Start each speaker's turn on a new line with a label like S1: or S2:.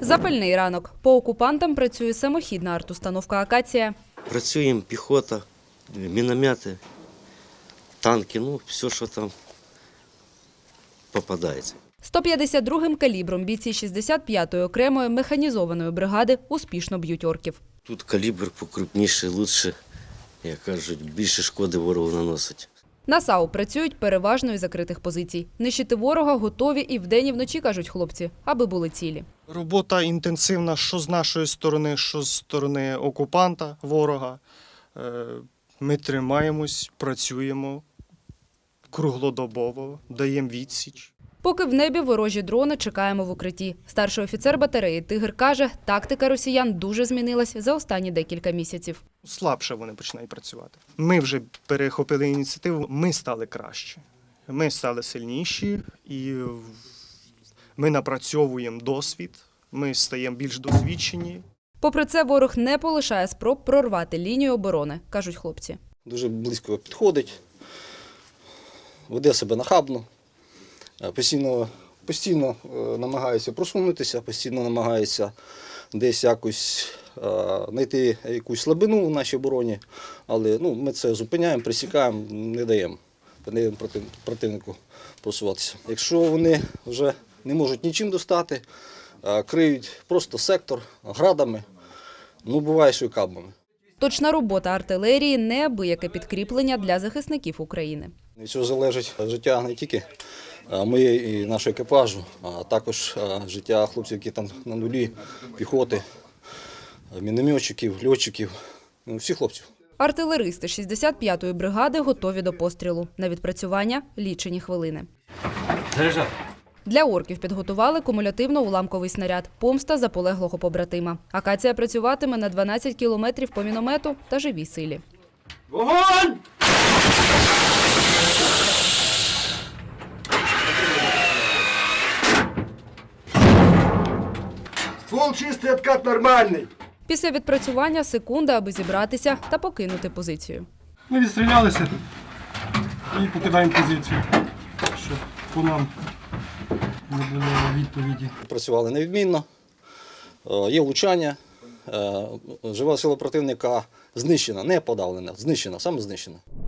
S1: Запальний ранок. По окупантам працює самохідна артустановка «Акація».
S2: Працюємо піхота, міномети, танки, все, що там попадається.
S1: 152-м калібром бійці 65-ї окремої механізованої бригади успішно б'ють орків.
S2: Тут калібр покрупніший, лучше, як кажуть, більше шкоди ворогу наносить.
S1: На САУ працюють переважно із закритих позицій. Нищити ворога готові і вдень, і вночі, кажуть хлопці, аби були цілі.
S3: Робота інтенсивна що з нашої сторони, що з сторони окупанта, ворога. Ми тримаємось, працюємо круглодобово, даємо відсіч.
S1: Поки в небі ворожі дрони, чекаємо в укритті. Старший офіцер батареї «Тигр» каже, тактика росіян дуже змінилась за останні декілька місяців.
S3: Слабше вони починають працювати. Ми вже перехопили ініціативу, ми стали краще. Ми стали сильніші і ми напрацьовуємо досвід, ми стаємо більш досвідчені.
S1: Попри це, ворог не полишає спроб прорвати лінію оборони, кажуть хлопці.
S4: Дуже близько підходить, веде себе нахабно, постійно намагається просунутися, постійно намагається десь якось знайти якусь слабину в нашій обороні, але ми це зупиняємо, пресікаємо, не даємо противнику просуватися. Якщо вони вже не можуть нічим достати, криють просто сектор градами, буває, що і кабами.
S1: Точна робота артилерії – неабияке підкріплення для захисників України.
S4: Від цього залежить життя не тільки моєї і нашого екіпажу, а також життя хлопців, які там на нулі, піхоти, мінометчиків, льотчиків, всіх хлопців.
S1: Артилеристи 65-ї бригади готові до пострілу. На відпрацювання – лічені хвилини. Для орків підготували кумулятивно-уламковий снаряд «Помста заполеглого побратима». «Акація» працюватиме на 12 кілометрів по міномету та живій силі.
S5: Вогонь! Ствол чистий, откат нормальний.
S1: Після відпрацювання – секунда, аби зібратися та покинути позицію.
S6: Ми відстрілялися і покидаємо позицію, щоб по нам не було відповіді.
S4: Працювали невідмінно, є влучання, жива сила противника знищена, не подавлена, знищена, саме знищена.